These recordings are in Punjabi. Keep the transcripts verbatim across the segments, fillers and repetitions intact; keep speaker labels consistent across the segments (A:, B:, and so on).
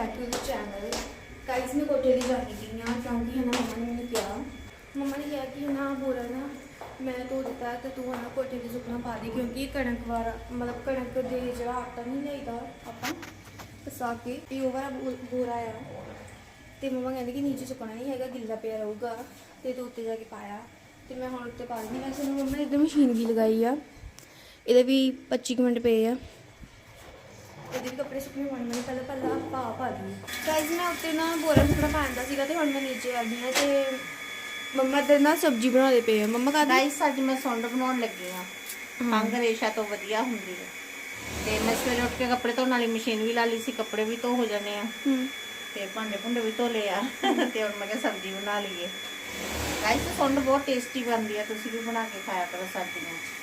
A: Back to the channel. Guys मैं कोठे दी जानी पई हाँ क्योंकि है ना मम्मा ने मैंने कहा मम्मा ने कहा कि ना बोरा ना मैं धो दिता है तो तू है ना कोठे दी सुकना पा दे क्योंकि कणक वाला मतलब कणक दे जो आटा नहीं लाईदा आप पसा के भी वो वाला बोरा आ तो मम्मा कहते कि नीचे सुकना नहीं है गिला पिया रहूगा तो तू उत्ते जाके पाया तो मैं हम उत्ते पा दी वैसे मम्मा ने इधर मशीन भी लगाई आ ये भी पच्ची मिनट पे है ਇਹਦੇ ਵੀ ਕੱਪੜੇ ਸੁੱਕਣੇ ਪਾਉਣੇ ਮੈਂ ਪਹਿਲਾਂ ਪਹਿਲਾਂ ਪਾ ਪਾ ਲਈ ਗਾਇਸ ਮੈਂ ਉੱਤੇ ਨਾ ਬੋਰਾ ਸੁੱਕਣਾ ਪਾਉਂਦਾ ਸੀਗਾ ਤੇ ਹੁਣ ਮੈਂ ਨੀਚੇ ਆ ਗਈ ਹਾਂ ਤੇ ਮੰਮਾ ਇੱਧਰ ਨਾ ਸਬਜ਼ੀ ਬਣਾਉਂਦੇ ਪਏ ਆ ਮੰਮਾ ਕਹਿੰਦੇ
B: ਗਾਇਸ ਅੱਜ ਮੈਂ ਸੁੰਡ ਬਣਾਉਣ ਲੱਗੀ ਆ ਖੰਗ ਰੇਸ਼ਾ ਤੋਂ ਵਧੀਆ ਹੁੰਦੀ ਹੈ ਤੇ ਮੈਂ ਸਵੇਰੇ ਉੱਠ ਕੇ ਕੱਪੜੇ ਧੋਣ ਵਾਲੀ ਮਸ਼ੀਨ ਵੀ ਲਾ ਲਈ ਸੀ ਕੱਪੜੇ ਵੀ ਧੋ ਹੋ ਜਾਣੇ ਆ ਤੇ ਭਾਂਡੇ ਭੁੰਡੇ ਵੀ ਧੋ ਲਏ ਆ ਤੇ ਹੁਣ ਮੈਂ ਕਿਹਾ ਸਬਜ਼ੀ ਬਣਾ ਲਈਏ ਗਾਇਸ ਸੁੰਡ ਬਹੁਤ ਟੇਸਟੀ ਬਣਦੀ ਆ ਤੁਸੀਂ ਵੀ ਬਣਾ ਕੇ ਖਾਇਆ ਕਰੋ ਸਰਦੀਆਂ 'ਚ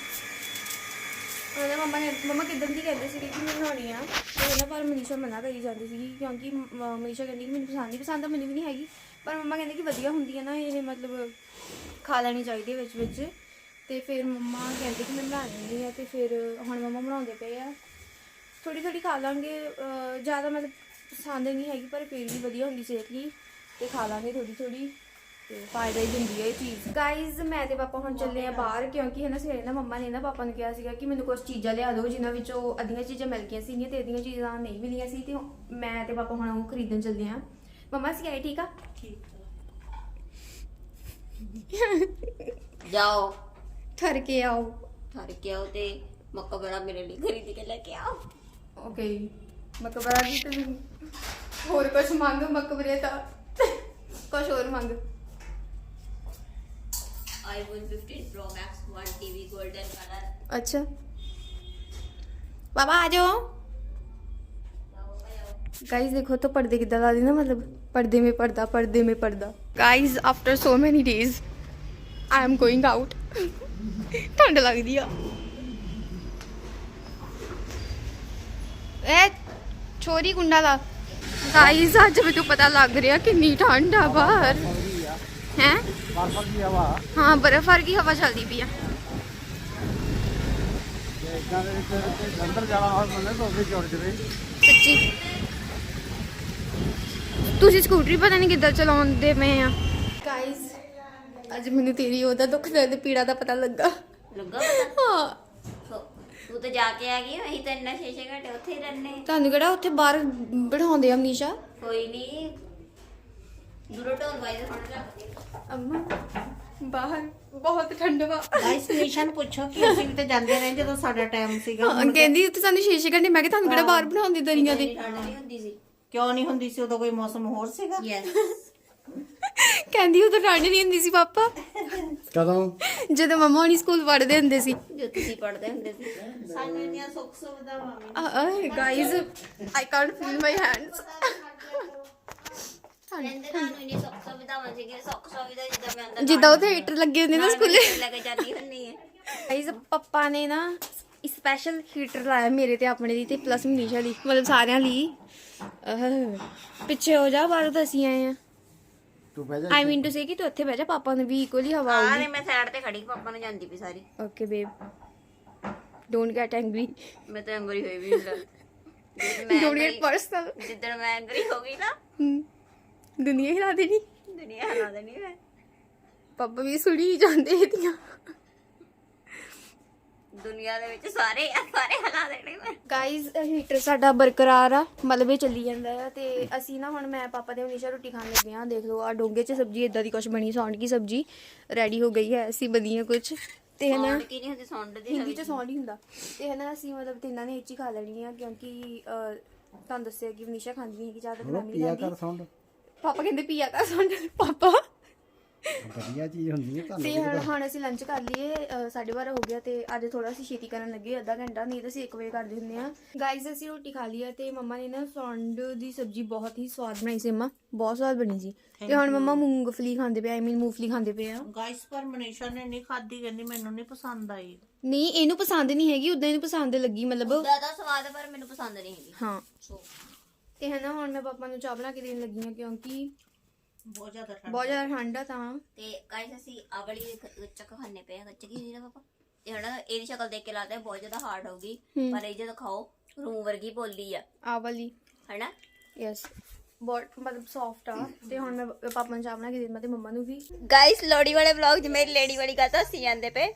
A: ਉਹਨੇ ਮੰਮਾ ਨੇ ਮੰਮਾ ਕਿੱਦਾਂ ਦੀ ਕਹਿੰਦੇ ਸੀ ਕਿ ਮੈਂ ਬਣਾਉਣੀ ਆ ਤੇ ਉਹਨਾਂ ਪਰ ਮਨੀਸ਼ਾ ਮਨਾ ਕਰੀ ਜਾਂਦੀ ਸੀ ਕਿਉਂਕਿ ਮਨੀਸ਼ਾ ਕਹਿੰਦੀ ਕਿ ਮੈਨੂੰ ਪਸੰਦ ਨਹੀਂ ਪਸੰਦ ਤਾਂ ਮੈਨੂੰ ਵੀ ਨਹੀਂ ਹੈਗੀ ਪਰ ਮੰਮਾ ਕਹਿੰਦੇ ਕਿ ਵਧੀਆ ਹੁੰਦੀ ਹੈ ਨਾ ਇਹ ਮਤਲਬ ਖਾ ਲੈਣੀ ਚਾਹੀਦੀ ਵਿੱਚ ਵਿੱਚ ਤੇ ਫਿਰ ਮੰਮਾ ਕਹਿੰਦੇ ਕਿ ਮੈਂ ਬਣਾ ਲੈਂਦੀ ਆ ਤੇ ਫਿਰ ਹੁਣ ਮੰਮਾ ਬਣਾਉਂਦੇ ਪਏ ਆ ਥੋੜੀ ਥੋੜੀ ਖਾ ਲਾਂਗੇ ਜ਼ਿਆਦਾ ਮਤਲਬ ਪਸੰਦ ਨਹੀਂ ਹੈਗੀ ਪਰ ਫਿਰ ਵੀ ਵਧੀਆ ਹੁੰਦੀ ਸਿਹਤ ਲਈ ਤੇ ਖਾ ਲਾਂਗੇ ਥੋੜੀ ਥੋੜੀ ਤੇ ਫਾਇਦਾ ਹੀ ਦਿੰਦੀ ਹੈ ਇਹ ਚੀਜ਼ ਗਾਈਜ਼ ਮੈਂ ਤੇ ਪਾਪਾ ਹੁਣ ਚੱਲੇ ਆ ਬਾਹਰ ਕਿਉਂਕਿ ਹੈ ਨਾ ਸਵੇਰੇ ਨਾ ਮੰਮਾ ਨੇ ਨਾ ਪਾਪਾ ਨੂੰ ਕਿਹਾ ਸੀਗਾ ਕਿ ਮੈਨੂੰ ਕੁਝ ਚੀਜ਼ਾਂ ਲਿਆ ਦਿਓ ਜਿਨ੍ਹਾਂ ਵਿੱਚੋਂ ਅੱਧੀਆਂ ਚੀਜ਼ਾਂ ਮਿਲ ਗਈਆਂ ਸੀਗੀਆਂ ਤੇ ਅੱਧੀਆਂ ਚੀਜ਼ਾਂ ਨਹੀਂ ਮਿਲੀਆਂ ਸੀ ਤੇ ਮੈਂ ਤੇ ਪਾਪਾ ਹੁਣ ਉਹ ਖਰੀਦਣ ਚੱਲੇ ਆ ਮੰਮਾ ਸੀ ਆਏ ਠੀਕ ਆ
B: ਠੀਕ ਜਾਓ
A: ਠਰ ਕੇ ਆਓ
B: ਠਰ ਕੇ ਆਓ ਤੇ ਮਕਬਰਾ ਮੇਰੇ ਲਈ ਖਰੀਦ ਕੇ ਲੈ ਕੇ ਆਓ
A: ਓਕੇ ਮਕਬਰਾ ਦੀ ਤੇ ਹੋਰ ਕੁਝ ਮੰਗ ਮਕਬਰੇ ਤਾਂ ਕੁਝ ਹੋਰ ਮੰਗ
B: iPhone fifteen Pro Max one T V golden color
A: अच्छा पापा आ जाओ गाइस देखो तो पर्दे कितना ला दी ना मतलब पर्दे में पर्दा पर्दे में पर्दा guys after so many days I am going out ठंड लग दी ए छोरी कुंडा ला गाइस आज मेरे को पता लग रहा कितनी ठंड है बाहर हैं हाँ बर्फबारी की हवा चलती पई है सच्ची ਤੁਸੀਂ ਸਕੂਟਰੀ ਪਤਾ ਨਹੀਂ ਕਿੱਦਾਂ ਚਲਾਉਂਦੇ ਪਏ ਆ ਗਾਇਸ ਅੱਜ ਮੈਨੂੰ ਤੇਰੀ ਉਹਦਾ ਦੁੱਖ ਦਰਦ ਪੀੜਾ ਦਾ ਪਤਾ ਲੱਗਾ
B: ਲੱਗਾ
A: ਹਾਂ
B: ਤੂੰ ਤਾਂ ਜਾ ਕੇ ਆ ਗਈ ਅਸੀਂ ਤਾਂ ਇੰਨਾ ਛੇ ਛੇ ਘੰਟੇ ਉੱਥੇ ਹੀ ਰਹਿੰਦੇ
A: ਤੁਹਾਨੂੰ ਕਿਹੜਾ ਉੱਥੇ ਬਾਹਰ ਬਿਠਾਉਂਦੇ ਆ ਅਮਨੀਸ਼ਾ
B: ਕੋਈ ਨਹੀਂ ਦੂਰੋਂ ਢੋਲ ਵਾਈਜ਼ ਫੜ ਰੱਖਦੇ
A: ਅੰਮਾ ਬਾਹਰ ਬਹੁਤ ਠੰਡ ਵਾ
B: ਗਾਇਸ ਨਿਸ਼ਾ ਨੂੰ ਪੁੱਛੋ ਕਿ ਅਸੀਂ ਵੀ ਤਾਂ ਜਾਂਦੇ ਰਹੇ ਜਦੋਂ ਸਾਡਾ ਟਾਈਮ ਸੀਗਾ
A: ਹਾਂ ਕਹਿੰਦੀ ਉੱਥੇ ਸਾਨੂੰ ਛੇ ਛੇ ਘੰਟੇ ਮੈਂ ਕਿ ਤੁਹਾਨੂੰ ਕਿਹੜਾ ਬਾਹਰ ਬਿਠਾਉਂਦੇ ਦਰੀਆਂ ਤੇ
B: ਠੰਡ ਨਹੀਂ ਹੁੰਦੀ ਸੀ ਕਿਉਂ ਨਹੀਂ ਹੁੰਦੀ ਸੀ ਉਦੋਂ ਕੋਈ ਮੌਸਮ ਹੋਰ ਸੀਗਾ ਯੈਸ
A: ਕਹਿੰਦੀ ਉਦੋਂ ਠੰਡ ਨਹੀਂ ਹੁੰਦੀ ਸੀ ਪਾਪਾ
C: ਕਦੋਂ
A: ਜਦੋਂ ਮਮਾ ਹੋਣੀ ਸਕੂਲ ਪੜ੍ਹਦੇ ਹੁੰਦੇ ਸੀ
B: ਜੋ ਤੁਸੀਂ ਪੜ੍ਹਦੇ ਹੁੰਦੇ ਸੀ ਸਾਨੂੰ ਇੰਨੀਆਂ ਸੁੱਖ ਸੁਵਿਧਾਵਾਂ ਵੀ
A: guys I can't feel my hands
B: ਰਹਿੰਦੇ ਤੁਹਾਨੂੰ ਇੰਨੀ ਸੁੱਖ ਸੁਵਿਧਾਵਾਂ ਸੀਗੀਆਂ ਸੁੱਖ ਸੁਵਿਧਾ ਜਿੱਦਾਂ ਮੈਂ ਅੰਦਰ
A: ਜਿੱਦਾਂ ਉੱਥੇ ਹੀਟਰ ਲੱਗੇ ਹੁੰਦੇ ਨਾ ਸਕੂਲੇ
B: ਲੈ ਕੇ ਜਾਂਦੀ ਹੁੰਦੀ ਹੈ
A: ਗਾਇਜ਼ ਪਪਾ ਨੇ ਨਾ ਸਪੈਸ਼ਲ ਹੀਟਰ ਲਾਇਆ ਮੇਰੇ ਤੇ ਆਪਣੇ ਲਈ ਤੇ ਪਲੱਸ ਮਨੀਸ਼ਾ ਲਈ ਮਤਲਬ ਸਾਰਿਆਂ ਲਈ ਪਿੱਛੇ ਹੋ ਜਾ ਬਾਹਰ ਤਾਂ ਅਸੀਂ ਆਏ ਆ
C: ਤੂੰ ਬਹਿ ਜਾ
A: ਆਈ ਮੀਨ ਟੂ ਸੇ ਕਿ ਤੂੰ ਇੱਥੇ ਬਹਿ ਜਾ ਪਾਪਾ ਨੂੰ ਵੀ ਇਕੁਅਲੀ ਹਵਾ
B: ਹਾਂ
A: ਆਊਗੀ
B: ਨਹੀਂ ਮੈਂ ਸਾਈਡ ਤੇ ਖੜੀ ਪਾਪਾ ਨੂੰ ਜਾਂਦੀ ਪਈ sorry
A: okay babe don't get angry
B: ਮੈਂ ਤਾਂ ਐਂਗਰੀ ਹੋਈ ਵੀ ਹੁੰਦਾ
A: ਡੋਨਟ ਗੈਟ ਪਰਸਨਲ
B: ਜਿੱਦਣ ਮੈਂ ਐਂਗਰੀ ਹੋ ਗਈ ਨਾ
A: ਦੁਨੀਆ ਹਿਲਾ ਦੇਣੀ
B: ਦੁਨੀਆ ਹਿਲਾ ਦੇਣੀ ਮੈਂ
A: ਪਾਪਾ ਵੀ ਸੁਣੀ ਜਾਂਦੇ ਇਹਦੀਆਂ
B: ਦੁਨੀਆ ਦੇ ਵਿੱਚ ਸਾਰੇ ਸਾਰੇ ਹਿਲਾ ਦੇਣੇ ਮੈਂ
A: ਗਾਈਜ਼ ਹੀਟਰ ਸਾਡਾ ਬਰਕਰਾਰ ਆ ਮਤਲਬ ਇਹ ਚੱਲੀ ਜਾਂਦਾ ਆ ਤੇ ਅਸੀਂ ਨਾ ਹੁਣ ਮੈਂ ਪਾਪਾ ਤੇ ਮਨੀਸ਼ਾ ਰੋਟੀ ਖਾਣ ਲੱਗੇ ਆ ਦੇਖ ਲਓ ਆ ਡੋਂਗੇ 'ਚ ਸਬਜ਼ੀ ਇਦਾਂ ਦੀ ਕੁਛ ਬਣੀ ਸੌਂਡ ਕੀ ਸਬਜ਼ੀ ਰੈਡੀ ਹੋ ਗਈ ਹੈ ਅਸੀਂ ਵਧੀਆ ਕੁਛ ਤੇ ਹੈ ਨਾ
B: ਕੀ ਨਹੀਂ ਹੁੰਦੀ ਸੌਂਡ ਦੀ
A: ਹਿੰਦੀ 'ਚ ਸੌਂਡ ਹੀ ਹੁੰਦਾ ਤੇ ਹੈ ਨਾ ਅਸੀਂ ਮਤਲਬ ਤਿੰਨਾਂ ਨੇ ਇਹ 'ਚ ਹੀ ਖਾ ਲੈਣੀ ਆ ਕਿਉਂਕਿ ਤੁਹਾਨੂੰ ਦੱਸਿਆ ਕਿ ਮਨੀਸ਼ਾ ਖਾਂਦੀ ਨਹੀਂ ਹੈਗੀ ਜ਼ਿਆਦਾ ਮੈਂ ਨਹੀਂ ਖਾਂਦੀ
C: ਸਾਊਂਡ
A: ਪਾਪਾ ਕਹਿੰਦੇ ਪੀਆ ਕਰ ਸੌਂਡ ਪਾਪਾ
C: ਵਧੀਆ ਚੀਜ਼ ਹੁੰਦੀ ਹੈ
A: ਤੇ ਹੁਣ ਹੁਣ ਅਸੀਂ ਲੰਚ ਕਰ ਲਈਏ ਸਾਢੇ ਬਾਰਾਂ ਹੋ ਗਿਆ ਤੇ ਅੱਜ ਥੋੜਾ ਅਸੀਂ ਛੇਤੀ ਕਰਨ ਲੱਗੇ ਅੱਧਾ ਘੰਟਾ ਨਹੀਂ ਤਾਂ ਅਸੀਂ ਇੱਕ ਵਜੇ ਕਰਦੇ ਹੁੰਦੇ ਆ ਗਾਈਜ਼ ਅਸੀਂ ਰੋਟੀ ਖਾ ਲਈ ਆ ਤੇ ਮੰਮਾ ਨੇ ਨਾ ਸੌਂਡ ਦੀ ਸਬਜ਼ੀ ਬਹੁਤ ਹੀ ਸਵਾਦ ਬਣਾਈ ਸੀ ਮੰਮਾ ਬਹੁਤ ਸਵਾਦ ਬਣੀ ਸੀ ਤੇ ਹੁਣ ਮੰਮਾ ਮੂੰਗਫਲੀ ਖਾਂਦੇ ਪਏ ਆਈ ਮੀਨ ਮੂੰਗਫਲੀ ਖਾਂਦੇ ਪਏ ਆ
B: ਗਾਇਸ ਪਰ ਮਨੀਸ਼ਾ ਨੇ ਨਹੀਂ ਖਾਦੀ ਕਹਿੰਦੀ ਮੈਨੂੰ ਨਹੀਂ ਪਸੰਦ ਆਈ
A: ਨਹੀਂ ਇਹਨੂੰ ਪਸੰਦ ਨਹੀਂ ਹੈਗੀ ਉਦਾਂ ਇਹਨੂੰ ਪਸੰਦ ਲੱਗੀ ਮਤਲਬ
B: ਜ਼ਿਆਦਾ ਸਵਾਦ ਪਰ ਮੈਨੂੰ ਪਸੰਦ ਨਹੀਂ ਹੈਗੀ
A: ਹਾਂ ਤੇ ਹੈ ਨਾ ਹੁਣ ਮੈਂ ਪਾਪਾ ਨੂੰ ਚਾਹ ਬਣਾ ਕੇ ਦੇਣ ਲੱਗੀ ਆ ਕਿਉਂਕਿ
B: ਬਹੁਤ ਜ਼ਿਆਦਾ ਠੰਡ
A: ਬਹੁਤ ਜ਼ਿਆਦਾ ਠੰਡ ਆ ਤਾਂ
B: ਤੇ ਗਾਇਸ ਅਸੀਂ ਆਵਲੀ ਚੱਕ ਖਾਣੇ ਪਏ ਗੱਚ ਕੀ ਹੁੰਦੀ ਨਾ ਪਾਪਾ ਤੇ ਹਣਾ ਇਹਦੀ ਸ਼ਕਲ ਦੇਖ ਕੇ ਲੱਗਦਾ ਬਹੁਤ ਜ਼ਿਆਦਾ ਹਾਰਡ ਹੋਗੀ ਪਰ ਇਹ ਜਦੋਂ ਖਾਓ ਰੂਮ ਵਰਗੀ ਬੋਲੀ ਆ
A: ਆ ਵਾਲੀ
B: ਹਨਾ
A: ਯੈਸ ਬਹੁਤ ਮਤਲਬ ਸੌਫਟ ਆ ਤੇ ਹੁਣ ਮੈਂ ਪਾਪਾ ਨੂੰ ਚਾਹ ਬਣਾ ਕੇ ਦੇ ਦਿੰਦਾ ਤੇ ਮੰਮਾ ਨੂੰ ਵੀ।
D: ਗਾਇਸ ਲੋੜੀ ਵਾਲੇ ਵਲੌਗ 'ਚ ਮੇਰੀ ਲੇਡੀ ਵਾਲੀ ਗੱਲ ਤਾਂ ਹੱਸੀ ਜਾਂਦੇ ਪਏ।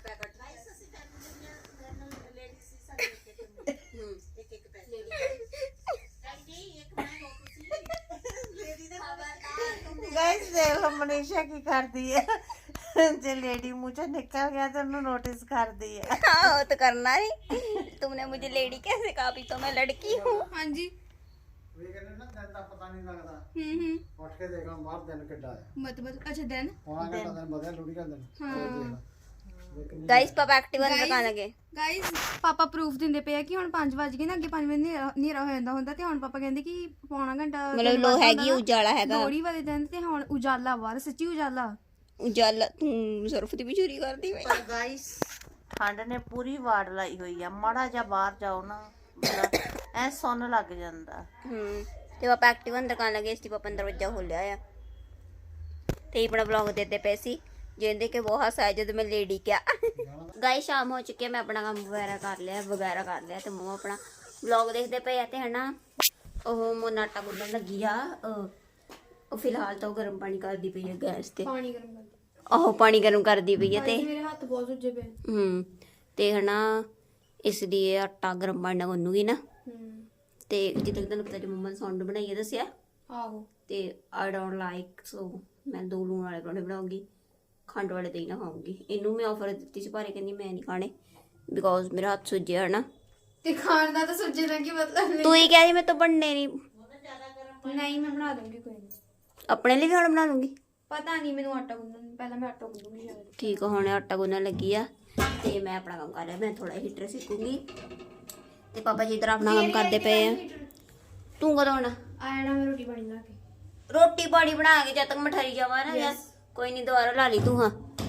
B: ਗਾਇਸ ਦੇਖ ਲਓ ਮਨੀਸ਼ਾ ਕੀ ਕਰਦੀ ਹੈ, ਜੇ ਲੇਡੀ ਮੂੰਹ ਚੋਂ ਨਿਕਲ ਗਿਆ ਤਾਂ ਉਹਨੂੰ ਨੋਟਿਸ ਕਰਦੀ ਹੈ।
D: हाँ वो तो करना ही। तुमने मुझे लेडी कैसे कहा? अभी तो मैं लड़की हूँ।
A: ਹਾਂਜੀ
C: ਇਹ ਕਹਿੰਦੇ ਨਾ ਦਿਨ ਦਾ ਪਤਾ ਨਹੀਂ ਲੱਗਦਾ।
A: ਹੂੰ ਹੂੰ
C: ਉੱਠ ਕੇ ਦੇਖਣਾ ਬਾਹਰ ਦਿਨ ਕਿੱਡਾ ਹੈ।
A: ਮਤਲਬ ਅੱਛਾ ਦਿਨ
C: ਪੌਣਾ ਘੰਟਾ ਦਿਨ ਵਧਿਆ ਲੋੜੀ ਦਾ ਦਿਨ।
A: ਹਾਂ
D: गाइस पापा एक्टिवा दिखाने लगे।
A: ਗਾਇਸ ਪਾਪਾ ਪ੍ਰੂਫ ਦਿੰਦੇ ਪਏ ਆ ਕਿ ਹੁਣ ਪੰਜ ਵਜ ਗਏ ਨਾ, ਅੱਗੇ ਪੰਜ ਵਜੇ ਹਨੇਰਾ ਹਨੇਰਾ ਹੋ ਜਾਂਦਾ ਹੁੰਦਾ ਤੇ ਹੁਣ ਪਾਪਾ ਕਹਿੰਦੇ ਕਿ ਪੌਣਾ ਘੰਟਾ
D: मतलब लो हैगी उजाला हैगा।
A: ਲੋਹੜੀ ਵਾਲੇ ਦਿਨ ਤੇ ਹੁਣ ਉਜਾਲਾ ਬਾਹਰ ਸੱਚੀ ਉਜਾਲਾ।
D: उजाला सरफ दी भी चोरी कर दी भाई।
B: ਪਰ ਗਾਇਸ ਠੰਡ ਨੇ ਪੂਰੀ ਵਾੜ ਲਾਈ ਹੋਈ ਆ, ਮਾੜਾ ਜਿਹਾ ਬਾਹਰ ਜਾਓ ਨਾ ਮਤਲਬ ਐ ਸੁੰਨ ਲੱਗ ਜਾਂਦਾ।
D: हम्म ते पापा एक्टिवा दिखाने लगे। इसलिए पापा ने दरवाजा खोलिया आ ते अपना ब्लॉग देते पे सी जिंदे के बहुत हंसा जब मैं लेडी क्या। गाइस शाम हो चुकी है, मैं अपना काम वगैरह कर लिया वगैरह कर लिया ते मम्मा अपना ब्लॉग देखते पे है ते है ना ਉਹ ਮੋਨਾ ਆਟਾ ਗੁੰਨਣ ਲੱਗੀ ਆ। ਉਹ ਫਿਲਹਾਲ ਤਾਂ ਉਹ ਗਰਮ ਪਾਣੀ ਕਰਦੀ ਪਈ ਹੈ ਗੈਸ ਤੇ।
A: ਪਾਣੀ ਗਰਮ ਕਰ
D: ਆਹੋ ਪਾਣੀ ਗਰਮ ਕਰਦੀ ਪਈ ਹੈ ਤੇ
A: ਮੇਰੇ ਹੱਥ ਬਹੁਤ ਸੁੱਜੇ ਪਏ।
D: ਹੂੰ ਤੇ ਹਨਾ ਇਸ ਲਈ ਇਹ ਆਟਾ ਗਰਮ ਪਾਣੀ ਨਾਲ ਗੁੰਨੂਗੀ ਨਾ।
A: ਹੂੰ
D: ਤੇ ਜਿੱਦਾਂ ਕਿ ਤੁਹਾਨੂੰ ਪਤਾ ਜੇ ਮੰਮਾ ਨੇ ਸੌਂਡ ਬਣਾਈ ਹੈ ਦੱਸਿਆ
A: ਆਹੋ
D: ਤੇ ਆਈ ਡੋਂਟ ਲਾਈਕ ਸੋ ਮੈਂ ਦੋ ਲੂਣ ਵਾਲੇ ਪਰੌਂਠੇ ਬਣਾਉਂਗੀ, ਖੰਡ ਵਾਲੇ ਤੇ ਹੀ ਨਾ ਖਾਉਂਗੀ। ਇਹਨੂੰ ਮੈਂ ਆਫਰ ਦਿੱਤੀ ਸੀ ਪਰ ਇਹ ਕਹਿੰਦੀ ਮੈਂ ਨਹੀਂ ਖਾਣੇ ਬਿਕੋਜ਼ ਮੇਰਾ ਹੱਥ ਸੁੱਜਿਆ ਹੈ ਨਾ।
A: ਤੇ ਖਾਣ ਦਾ ਤਾਂ ਸੁੱਜੇ ਦਾ ਕੀ ਮਤਲਬ ਨਹੀਂ।
D: ਤੂੰ ਹੀ ਕਹਿ ਰਹੀ ਮੈਂ ਤਾਂ ਬਣਨੇ ਨਹੀਂ।
A: ਨਹੀਂ ਮੈਂ ਬਣਾ ਦੂੰਗੀ ਕੋਈ ਨਹੀਂ।
D: ਆਪਣੇ ਲਈ ਵੀ ਹੁਣ ਬਣਾ ਲੂੰਗੀ।
A: ਪਤਾ ਨਹੀਂ ਮੈਨੂੰ ਆਟਾ ਗੁੰਨਣ ਪਹਿਲਾਂ ਮੈਂ ਆਟਾ ਗੁੰਨੂਗੀ ਸ਼ਾਇਦ।
D: ਠੀਕ ਆ ਹੁਣ ਆਟਾ ਗੁੰਨਣ ਲੱਗੀ ਆ ਤੇ ਮੈਂ ਆਪਣਾ ਕੰਮ ਕਰ ਰਿਹਾ। ਮੈਂ ਥੋੜਾ ਹੀਟਰ ਸਿੱਖੂੰਗੀ ਤੇ ਪਾਪਾ ਜੀ ਇਧਰ ਆਪਣਾ ਕੰਮ ਕਰਦੇ ਪਏ ਆ। ਤੂੰ ਕਦੋਂ ਆਉਣਾ?
A: ਆਇਆ ਨਾ ਮੈਂ ਰੋਟੀ ਪਾਣੀ ਬਣਾ ਕੇ।
D: ਰੋਟੀ ਪਾਣੀ ਬਣਾ ਕੇ ਜਦ ਤੱਕ ਮੈਂ ਠਰੀ ਜਾਵਾਂ ਨਾ ਯਾਰ ਕੋਈ ਨਹੀਂ ਦੁਬਾਰਾ ਲਾ ਲਈ ਤੂੰ। ਹਾਂ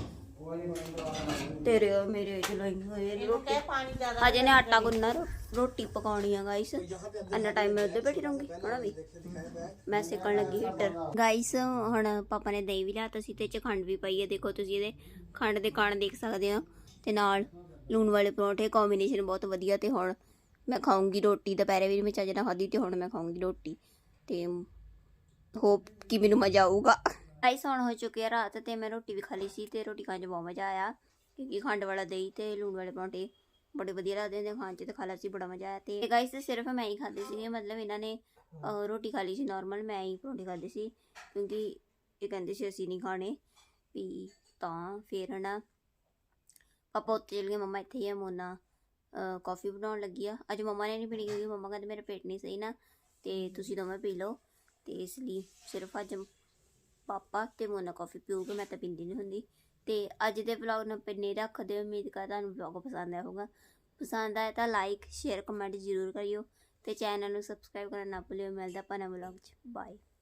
D: ਤੇਰੇ ਔਰ ਮੇਰੇ ਚਲਾਈ ਹੋਏ ਨੇ ਰੋਟੀ।
B: ਪਾਣੀ ਜ਼ਿਆਦਾ
D: ਹਜੇ ਨੇ ਆਟਾ ਗੁੰਨਣਾ ਰੋ- ਰੋਟੀ ਪਕਾਉਣੀ ਆ ਗਾਈਸ। ਇੰਨਾ ਟਾਈਮ ਮੈਂ ਉੱਧਰ ਬੈਠੀ ਰਹੂੰਗੀ ਹਣਾ ਵੀ। ਮੈਂ ਸੇਕਣ ਲੱਗੀ ਹੀਟਰ। ਗਾਈਸ ਹੁਣ ਪਾਪਾ ਨੇ ਦਹੀਂ ਵੀ ਲਿਆਤਾ ਸੀ ਤੇ ਚ ਖੰਡ ਵੀ ਪਈ ਹੈ। ਦੇਖੋ ਤੁਸੀਂ ਇਹਦੇ ਖੰਡ ਦੇ ਕਣ ਦੇਖ ਸਕਦੇ ਹੋ ਤੇ ਨਾਲ ਲੂਣ ਵਾਲੇ ਪਰੌਂਠੇ ਕੰਬੀਨੇਸ਼ਨ ਬਹੁਤ ਵਧੀਆ। ਤੇ ਹੁਣ ਮੈਂ ਖਾਊਂਗੀ ਰੋਟੀ। ਦੁਪਹਿਰੇ ਵੀ ਮੈਂ ਚੱਜ ਨਾਲ ਖਾਧੀ ਤੇ ਹੁਣ ਮੈਂ ਖਾਊਂਗੀ ਰੋਟੀ ਤੇ ਹੋਪ ਕਿ ਮੈਨੂੰ ਮਜ਼ਾ ਆਊਗਾ। ਗਾਈਸ ਹੁਣ ਹੋ ਚੁੱਕੀ ਆ ਰਾਤ ਤੇ ਮੈਂ ਰੋਟੀ ਵੀ ਖਾ ਲਈ ਸੀ ਤੇ ਰੋਟੀ ਖਾਣ 'ਚ ਬਹੁਤ ਮਜ਼ਾ ਆਇਆ ਕਿਉਂਕਿ ਖੰਡ ਵਾਲਾ ਦਹੀਂ ਤੇ ਲੂਣ ਵਾਲੇ ਪਰੌਂਠੇ ਬੜੇ ਵਧੀਆ ਲੱਗਦੇ ਨੇ ਖਾਣ 'ਚ ਤੇ ਖਾ ਲਿਆ ਸੀ ਬੜਾ ਮਜ਼ਾ ਆਇਆ। ਤੇ ਗਾਈਸ ਸਿਰਫ ਮੈਂ ਹੀ ਖਾਧੀ ਸੀ, ਮਤਲਬ ਇਹਨਾਂ ਨੇ ਅਹ, ਰੋਟੀ ਖਾ ਲਈ ਸੀ ਨਾਰਮਲ, ਮੈਂ ਹੀ ਪਰੌਂਠੇ ਖਾਧੇ ਸੀ ਕਿਉਂਕਿ ਇਹ ਕਹਿੰਦੇ ਸੀ ਅਸੀਂ ਨਹੀਂ ਖਾਣੇ ਵੀ। ਤਾਂ ਫਿਰ ਹੈ ਨਾ ਪਾਪਾ ਉੱਤੇ ਚਲ ਗਏ, ਮੰਮਾ ਇੱਥੇ ਹੀ ਆ। ਮੋਨਾ ਕੌਫੀ ਬਣਾਉਣ ਲੱਗੀ ਆ। ਅੱਜ ਮੰਮਾ ਨੇ ਨਹੀਂ ਪੀਣੀ ਕਿਉਂਕਿ ਮੰਮਾ ਕਹਿੰਦੇ ਮੇਰਾ ਪੇਟ ਨਹੀਂ ਸਹੀ ਨਾ ਤੇ ਤੁਸੀਂ ਦੋਵੇਂ ਪੀ ਲਓ ਤੇ ਇਸ ਲਈ ਸਿਰਫ ਅੱਜ ਪਾਪਾ ਤੇ ਮੋਨਾ ਕੌਫੀ ਪੀਊਗੇ, ਮੈਂ ਤਾਂ ਪੀਂਦੀ ਨਹੀਂ ਹੁੰਦੀ। ਤੇ ਅੱਜ ਦੇ ਵਲੌਗ ਨੂੰ ਪਿੰਨੇ ਰੱਖਦੇ। ਉਮੀਦ ਕਰਦਾ ਤੁਹਾਨੂੰ ਵਲੌਗ ਪਸੰਦ ਆਇਆ ਹੋਊਗਾ। ਪਸੰਦ ਆਇਆ ਤਾਂ ਲਾਈਕ ਸ਼ੇਅਰ ਕਮੈਂਟ ਜ਼ਰੂਰ ਕਰਿਓ ਤੇ ਚੈਨਲ ਨੂੰ ਸਬਸਕ੍ਰਾਈਬ ਕਰਨਾ ਨਾ ਭੁੱਲਿਓ। ਮਿਲਦਾ ਆਪਾਂ ਨਵੇਂ ਵਲੌਗ 'ਚ। ਬਾਏ।